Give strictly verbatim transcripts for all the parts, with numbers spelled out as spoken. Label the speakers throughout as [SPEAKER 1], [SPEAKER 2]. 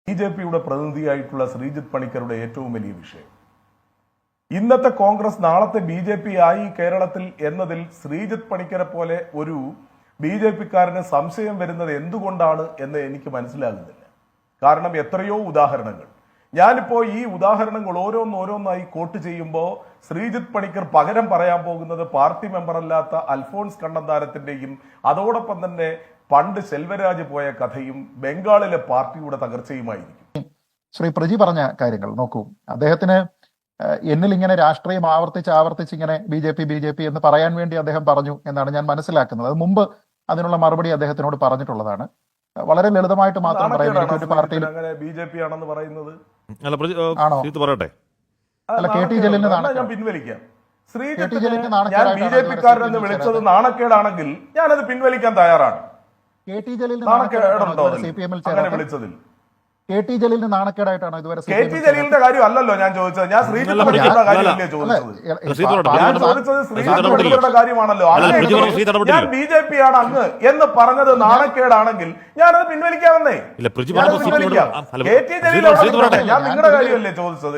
[SPEAKER 1] B J പിയുടെ പ്രതിനിധിയായിട്ടുള്ള ശ്രീജിത്ത് പണിക്കരുടെ ഏറ്റവും വലിയ വിഷയം ഇന്നത്തെ കോൺഗ്രസ് നാളത്തെ ബി ജെ പി ആയി കേരളത്തിൽ എന്നതിൽ ശ്രീജിത്ത് പണിക്കരെ പോലെ ഒരു ബി ജെ പിക്കാരന് സംശയം വരുന്നത് എന്തുകൊണ്ടാണ് എന്ന് എനിക്ക് മനസ്സിലാകുന്നില്ല. കാരണം എത്രയോ ഉദാഹരണങ്ങൾ ഞാനിപ്പോ ഈ ഉദാഹരണങ്ങൾ ഓരോന്നോരോന്നായി കോട്ട് ചെയ്യുമ്പോൾ ശ്രീജിത്ത് പണിക്കർ പകരം പറയാൻ പോകുന്നത് പാർട്ടി മെമ്പറല്ലാത്ത അൽഫോൺസ് കണ്ണന്താനത്തിന്റെയും അതോടൊപ്പം തന്നെ പണ്ട് സെൽവരാജ് പോയ കഥയും ബംഗാളിലെ പാർട്ടിയുടെ തകർച്ചയുമായിരിക്കും.
[SPEAKER 2] ശ്രീ പ്രജി പറഞ്ഞ കാര്യങ്ങൾ നോക്കൂ, അദ്ദേഹത്തിന് എന്നിൽ ഇങ്ങനെ രാഷ്ട്രീയം ആവർത്തിച്ച് ആവർത്തിച്ച് ഇങ്ങനെ B J P B J P എന്ന് പറയാൻ വേണ്ടി അദ്ദേഹം പറഞ്ഞു എന്നാണ് ഞാൻ മനസ്സിലാക്കുന്നത്. അത് മുമ്പ് അതിനുള്ള മറുപടി അദ്ദേഹത്തിനോട് പറഞ്ഞിട്ടുള്ളതാണ്. വളരെ ലളിതമായിട്ട് മാത്രം പറയാം, പാർട്ടിയിൽ
[SPEAKER 1] ബി ജെ പി ആണെന്ന് പറയുന്നത്
[SPEAKER 2] ആണോ? അല്ല, കെ ടി ജലീലിന്
[SPEAKER 1] ഞാൻ പിൻവലിക്കാം. ശ്രീജിത്ത് ഞാൻ ബി ജെ പിക്കാരനെന്ന് വിളിച്ചത് നാണക്കേടാണെങ്കിൽ ഞാനത് പിൻവലിക്കാൻ തയ്യാറാണ്.
[SPEAKER 2] കെ ടി ജലീലിന്
[SPEAKER 1] നാണക്കേടുണ്ടോ
[SPEAKER 2] സി പി എമ്മിൽ
[SPEAKER 1] വിളിച്ചതിൽ?
[SPEAKER 2] കെ ടി ജലീലിന് നാണക്കേടായിട്ടാണോ ഇതുവരെ?
[SPEAKER 1] കെ ടി ജലീലിന്റെ കാര്യം അല്ലല്ലോ ഞാൻ ചോദിച്ചത്, ഞാൻ ശ്രീജിത്ത് പണിക്കരുടെ കാര്യമല്ലേ ചോദിച്ചത്. ഞാൻ ചോദിച്ചത് ശ്രീജിത്ത് പണിക്കരുടെ കാര്യമാണല്ലോ. ഞാൻ ബി ജെ പി ആണ് അങ്ങ് എന്ന് പറഞ്ഞത് നാണക്കേടാണെങ്കിൽ ഞാനത് പിൻവലിക്കാമെന്നേ. പിൻവലിക്കാം. കെ ടി ജലീൽ ഞാൻ നിങ്ങളുടെ കാര്യമല്ലേ ചോദിച്ചത്.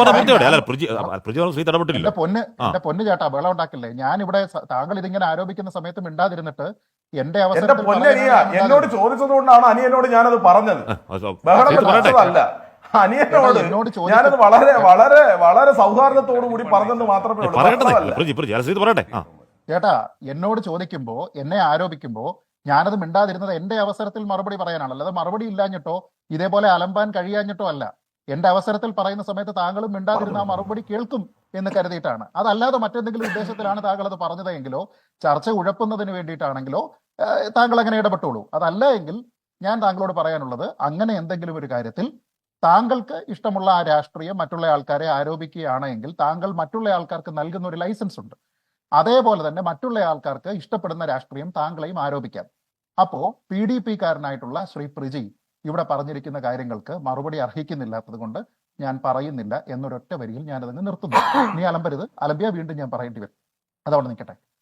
[SPEAKER 2] എന്റെ പൊന്ന് എന്റെ പൊന്ന് ചേട്ടാ, ബഹളം ഉണ്ടാക്കില്ലേ. ഞാൻ ഇവിടെ താങ്കൾ ഇതിങ്ങനെ ആരോപിക്കുന്ന സമയത്ത് മിണ്ടാതിരുന്നിട്ട് എന്റെ അവസരം
[SPEAKER 1] എന്നോട് ചോദിച്ചത് കൊണ്ടാണ് അനിയനോട് ഞാനത് പറഞ്ഞത്. ബഹളം വെച്ചതല്ല. അനിയനോട് ഞാനത് വളരെ വളരെ വളരെ സൗഹാർദ്ദത്തോടു കൂടി പറഞ്ഞെന്ന് മാത്രമേ ഉള്ളൂ.
[SPEAKER 2] ചേട്ടാ, എന്നോട് ചോദിക്കുമ്പോ എന്നെ ആരോപിക്കുമ്പോ ഞാനത് മിണ്ടാതിരുന്നത് എന്റെ അവസരത്തിൽ മറുപടി പറയാനാണ്. അല്ലാതെ മറുപടി ഇല്ലാഞ്ഞിട്ടോ ഇതേപോലെ അലമ്പാൻ കഴിയാഞ്ഞിട്ടോ അല്ല. എന്റെ അവസരത്തിൽ പറയുന്ന സമയത്ത് താങ്കളും മിണ്ടാതിരുന്ന ആ മറുപടി കേൾക്കും എന്ന് കരുതിയിട്ടാണ്. അതല്ലാതെ മറ്റെന്തെങ്കിലും ഉദ്ദേശത്തിലാണ് താങ്കൾ അത് പറഞ്ഞതെങ്കിലോ ചർച്ച ഉഴപ്പുന്നതിന് വേണ്ടിയിട്ടാണെങ്കിലോ താങ്കൾ അങ്ങനെ ഇടപെട്ടോളൂ. അതല്ല എങ്കിൽ ഞാൻ താങ്കളോട് പറയാനുള്ളത്, അങ്ങനെ എന്തെങ്കിലും ഒരു കാര്യത്തിൽ താങ്കൾക്ക് ഇഷ്ടമുള്ള ആ രാഷ്ട്രീയം മറ്റുള്ള ആൾക്കാരെ ആരോപിക്കുകയാണ് എങ്കിൽ താങ്കൾ മറ്റുള്ള ആൾക്കാർക്ക് നൽകുന്ന ഒരു ലൈസൻസ് ഉണ്ട്. അതേപോലെ തന്നെ മറ്റുള്ള ആൾക്കാർക്ക് ഇഷ്ടപ്പെടുന്ന രാഷ്ട്രീയം താങ്കളെയും ആരോപിക്കാം. അപ്പോ പി ഡി പി കാരനായിട്ടുള്ള ശ്രീ പ്രജി ഇവിടെ പറഞ്ഞിരിക്കുന്ന കാര്യങ്ങൾക്ക് മറുപടി അർഹിക്കുന്നില്ലാത്തത് കൊണ്ട് ഞാൻ പറയുന്നില്ല എന്നൊരൊറ്റ വരിയിൽ ഞാനതങ്ങ് നിർത്തുന്നു. നീ അലമ്പരുത്, അലമ്പിയ വീണ്ടും ഞാൻ പറയേണ്ടി വരും. അതവിടെ നിൽക്കട്ടെ.